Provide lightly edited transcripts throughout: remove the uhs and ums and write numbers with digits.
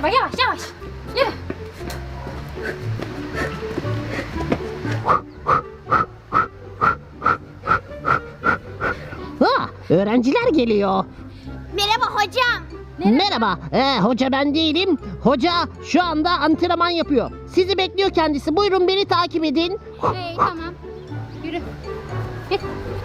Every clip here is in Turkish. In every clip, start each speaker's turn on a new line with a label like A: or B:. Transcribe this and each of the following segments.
A: Dur bak, yavaş yavaş. Yürü.
B: Öğrenciler geliyor.
C: Merhaba hocam.
B: Merhaba. Hoca ben değilim. Hoca şu anda antrenman yapıyor. Sizi bekliyor kendisi. Buyurun beni takip edin.
A: Tamam. Yürü. Git.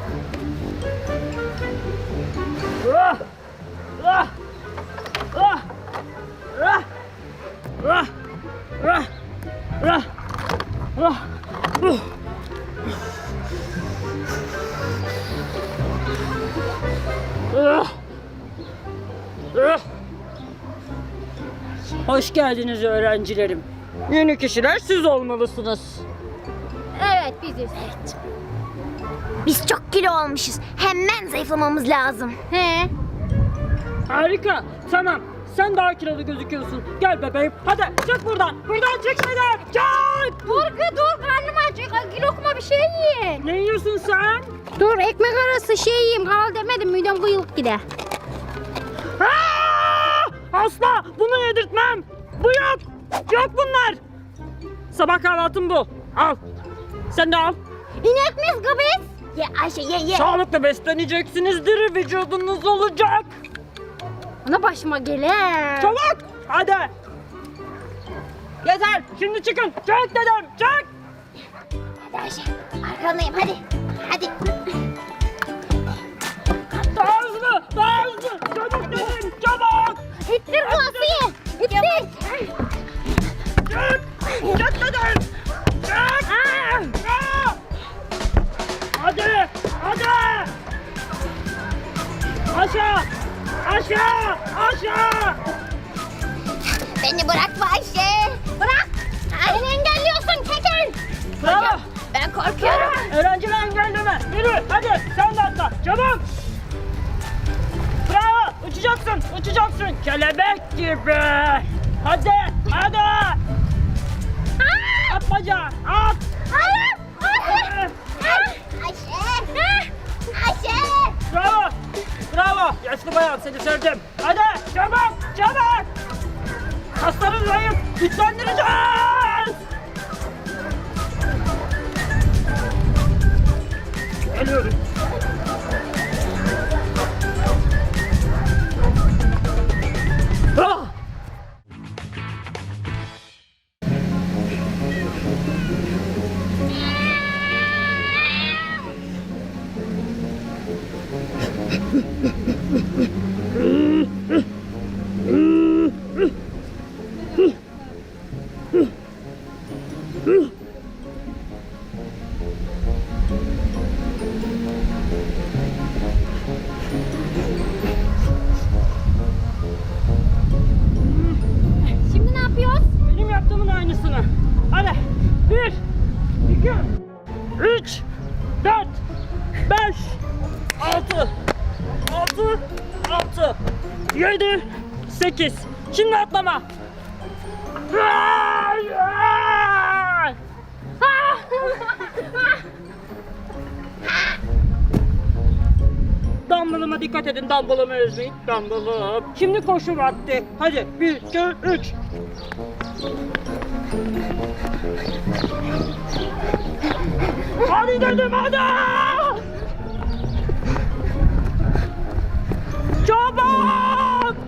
D: Hoş geldiniz öğrencilerim. Yeni kişiler siz olmalısınız.
A: Evet biziz.
C: Biz çok kilo olmuşuz. Hemen zayıflamamız lazım.
A: He.
D: Harika. Tamam. Sen daha kilolu gözüküyorsun. Gel bebeğim. Hadi çık buradan. Buradan çık dedim. Çık.
A: Dur karnım aç. Bir lokma bir şey yiyin.
D: Ne yiyorsun sen?
A: Dur ekmek arası şey yiyeyim. Kal demedim midem kıyılıp gider.
D: Asla bunu yedirtmem. Bu yok. Yok bunlar. Sabah kahvaltım bu. Al. Sen de al.
A: İnek miyiz kız?
C: Ye Ayşe ye.
D: Sağlıklı besleneceksinizdir. Vücudunuz olacak.
A: Ana başıma gelir.
D: Çabuk. Hadi. Yeter. Şimdi çıkın. Çık dedim. Çık.
C: Hadi Ayşe. Arkandayım hadi. Hadi.
D: Daha hızlı. Daha hızlı. Çabuk dedim. Çabuk.
A: İttir Asiye. İttir.
D: Çık. Çık dedim. Çık. Hadi. Hadi. Aşağı. Aşağı. Aşağı.
C: Beni bırakma Ayşe. Bırak.
A: Beni engelliyorsun Tekin.
D: Bravo.
C: Ben korkuyorum.
D: Öğrenciler engelleme. Yürü. Hadi. Sen de atla. Çabuk. Bravo. Uçacaksın. Uçacaksın. Kelebek gibi. Hadi. Hadi. At bacağı. At.
C: Ayşe. Ayşe.
D: Bravo. Bravo. Yaşlı bayan seni sevdim. Hadi. Çabuk. Çabuk. Kasların zayıf. Güçlendireceğiz. Geliyorum. Ah!
A: Şimdi ne yapıyoruz?
D: Benim yaptığımın aynısını. Hadi. 1, 2, 3, 4, 5, 6, 6, 7, 8. Şimdi atlama. Dumbbell'ıma dikkat edin. Dumbbell'ımı ezmeyin. Dumbbell'ım. Şimdi koşu vakti. Hadi. 1, 2, 3. Hadi dedim hadi. Çabuk.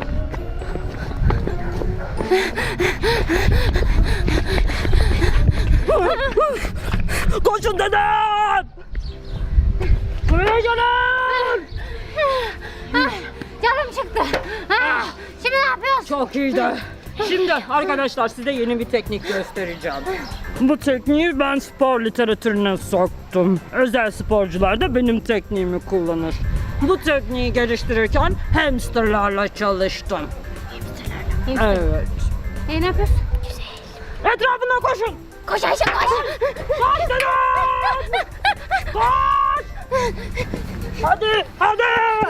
D: Koşun dedim. Buraya gelin.
A: Canım çıktı. Şimdi ne yapıyoruz?
D: Çok iyiydi. Şimdi arkadaşlar size yeni bir teknik göstereceğim. Bu tekniği ben spor literatürüne soktum. Özel sporcular da benim tekniğimi kullanır. Bu tekniği geliştirirken hamsterlarla çalıştım. Evet.
A: Ne yapıyoruz?
D: Etrafından koşun.
C: Koş Ayşe koş.
D: Koş dedim. Koş. Hadi, hadi.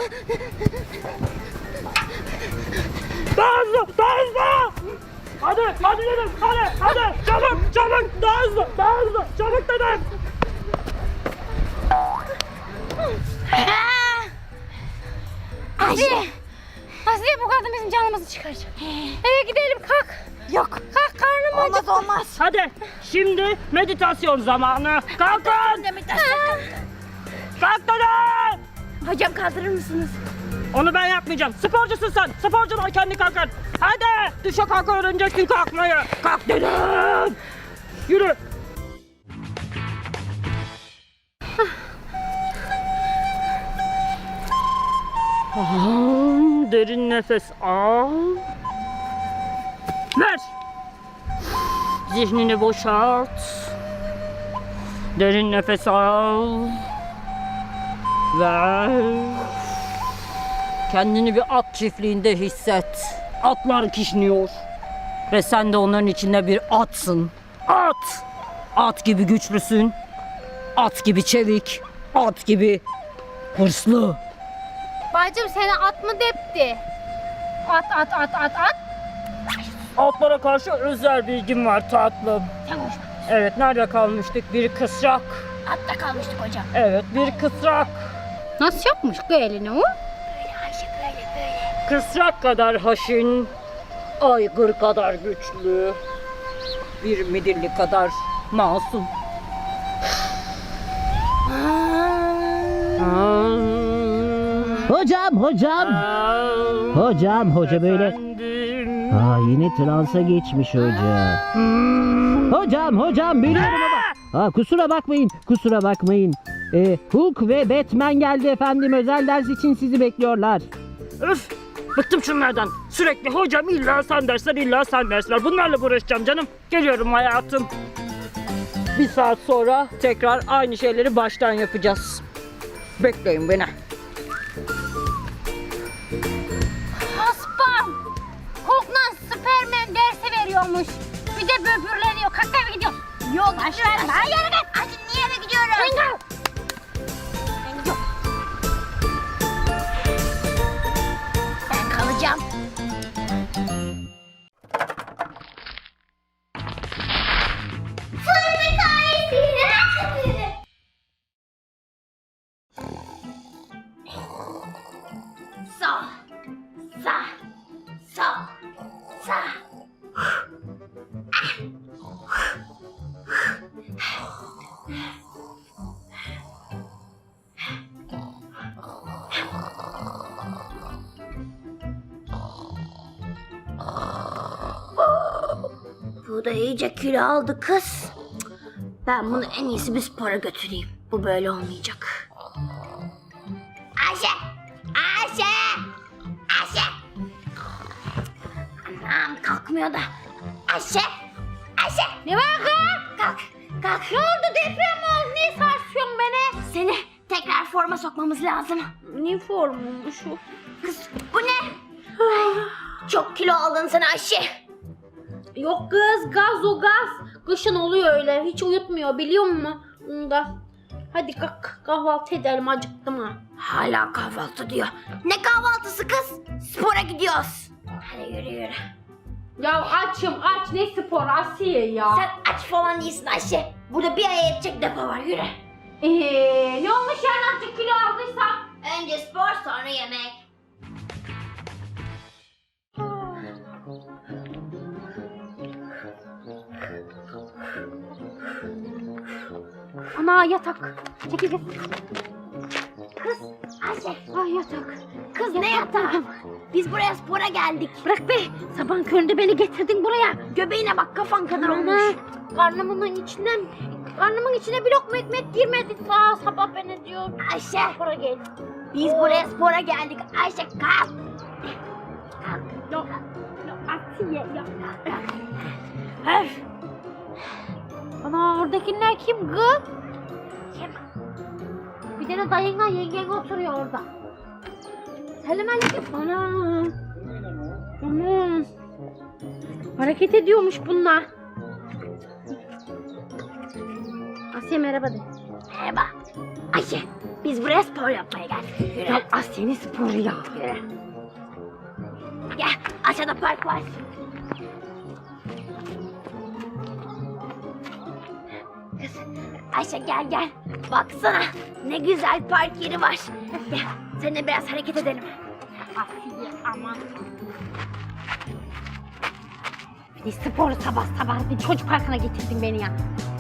D: Daha hızlı, daha hızlı. Hadi, hadi dedim, hadi. Çabuk, çabuk, daha hızlı, çabuk dedim.
C: Ayşe.
A: Asiye bu kadın bizim canımızı çıkaracak. Eve gidelim kalk.
C: Yok.
A: Kalk karnım acıktı.
C: Olmaz.
D: Hadi şimdi meditasyon zamanı. Kalkın. Kalkın.
C: Hocam kaldırır mısınız?
D: Onu ben yapmayacağım. Sporcusun sen. Sporcular kendi kalkar. Hadi. Düşe kalk öğreneceksin kalkmayı. Kalk dedim. Yürü. Derin nefes al. Ver. Zihnini boşalt. Derin nefes al. Ver. Kendini bir at çiftliğinde hisset. Atlar kişniyor. Ve sen de onların içinde bir atsın. At! At gibi güçlüsün. At gibi çevik. At gibi hırslı.
A: Bacım seni at mı depti? At.
D: Atlara karşı özel bilgim var tatlım.
C: Sen konuşma.
D: Evet, nerede kalmıştık? Bir kısrak.
C: Hatta kalmıştık hocam.
D: Evet, bir kısrak.
A: Nasıl yapmış bu elini o?
C: Böyle Ayşe böyle.
D: Kısrak kadar haşin, aygır kadar güçlü, bir midilli kadar masum.
B: Hocam hoca böyle.
D: Efendim.
B: Yine transa geçmiş hoca. Hocam biliyorum ama. Kusura bakmayın. Hulk ve Batman geldi efendim, özel ders için sizi bekliyorlar.
D: Öf! Bıktım şunlardan. Sürekli hocam illa sen dersler. Bunlarla uğraşacağım canım. Geliyorum hayatım. Bir saat sonra tekrar aynı şeyleri baştan yapacağız. Bekleyin beni.
A: Haspam. Hulk'la Superman dersi veriyormuş. Bir de böbürleniyor. Kalk eve gidiyor.
C: Yok aşkım. Ben yere git. Hadi niye eve gidiyorum?
A: Sen kal.
C: Ben gidiyorum. Ben kalacağım. Sağ. Bu da iyice kilo aldı kız. Ben bunu en iyisi bir spora götüreyim. Bu böyle olmayacak. Ayşe! Anam kalkmıyor da. Ayşe!
A: Ne var kız?
C: Kalk.
A: Ne oldu, deprem mi oldu? Niye sarsıyorsun beni?
C: Seni tekrar forma sokmamız lazım.
A: Ne formuymuş o?
C: Kız bu ne? Çok kilo aldın sen Ayşe.
A: Yok kız, gaz o gaz. Kışın oluyor öyle. Hiç uyutmuyor biliyor musun? Onda. Hadi kalk kahvaltı edelim, acıktım ha.
C: Hala kahvaltı diyor. Ne kahvaltısı kız? Spora gidiyoruz. Hadi yürü.
A: Ya açım aç, ne spor Asiye ya.
C: Sen aç falan değilsin Ayşe. Burada bir aya yetecek depo var, yürü.
A: Ne olmuş yani azıcık kilo aldıysam?
C: Önce spor sonra yemek.
A: Ana yatak. Çekil git.
C: Kız Ayşe.
A: Ay yatak.
C: Kız ne yatağı? Biz buraya spora geldik.
A: Bırak be. Sabahın köründe beni getirdin buraya.
C: Göbeğine bak, kafan kadar olmuş.
A: Karnımın içine bir lokma ekmek girmedi. Sabah beni diyor.
C: Ayşe.
A: Spora gel.
C: Biz buraya spora geldik. Ayşe kalk.
A: Yok. Asiye ya.
C: Öf.
A: Ana oradakiler kim kız?
C: Kim?
A: Bir tane dayınla yengen oturuyor orada. Selamünaleyküm. Ana. Hareket ediyormuş bunlar. Asiye merhaba de.
C: Merhaba. Ayşe. Biz buraya spor yapmaya geldik. Yürü.
A: Ya Asiye'nin sporu ya.
C: Yürü. Gel. Aşağıda park var. Kız. Ayşe gel. Baksana. Ne güzel park yeri var. Gel. Seninle biraz hareket edelim.
A: Asiye. Aman. Bir de sporu sabah sabah bir çocuk parkına getirdin beni ya.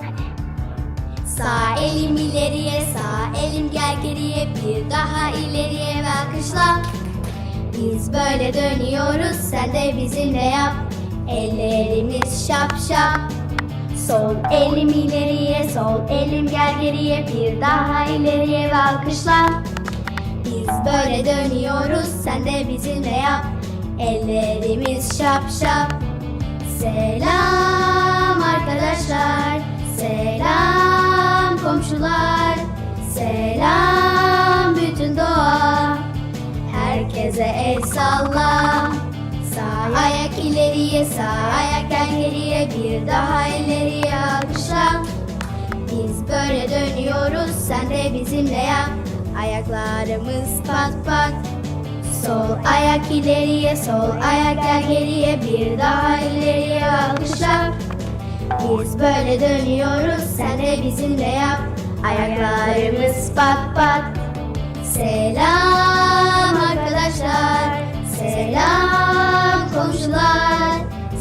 C: Sağ elim ileriye, sağ elim gel geriye, bir daha ileriye ve alkışla. Biz böyle dönüyoruz, sen de bizimle yap. Ellerimiz şap şap. Sol elim ileriye, sol elim gel geriye, bir daha ileriye ve alkışla. Biz böyle dönüyoruz, sen de bizimle yap. Ellerimiz şap şap. Selam arkadaşlar, selam komşular, selam bütün doğa. Herkese el salla. Sağ ayak ileriye, sağ ayak gel geriye, bir daha ileriye alkışla. Biz böyle dönüyoruz, sen de bizimle yap. Ayaklarımız pat pat. Sol ayak ileriye, sol ayak gel geriye, bir daha ileriye alkışla. Biz böyle dönüyoruz, sen de bizimle yap. Ayaklarımız pat pat. Selam arkadaşlar, selam komşular,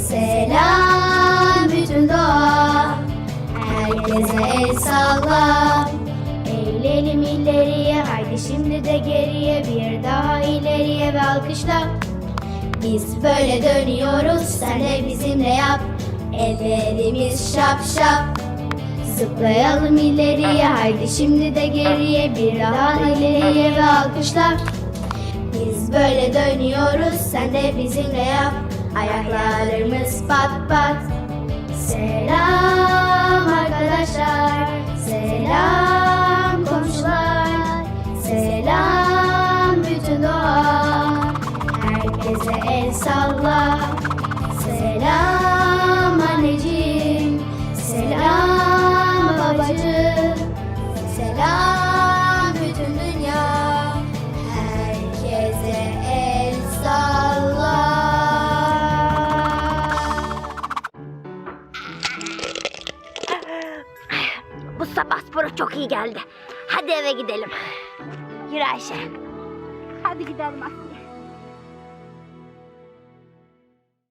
C: selam bütün doğa. Herkese el salla. Eğilelim ileriye, haydi şimdi de geriye, bir daha ileriye ve alkışla. Biz böyle dönüyoruz, sen de bizimle yap. Ellerimiz şap şap. Zıplayalım ileriye, haydi şimdi de geriye, bir daha ileriye ve alkışla. Biz böyle dönüyoruz, sen de bizimle yap. Ayaklarımız pat pat. Selam arkadaşlar, selam komşular, selam bütün doğa. Herkese el salla. Selam anneciğim, selam babacığım, selam bütün dünya. Herkese el salla. Bu sabah sporu çok iyi geldi. Hadi eve gidelim. Yürü Ayşe.
A: Hadi gidelim Aslı.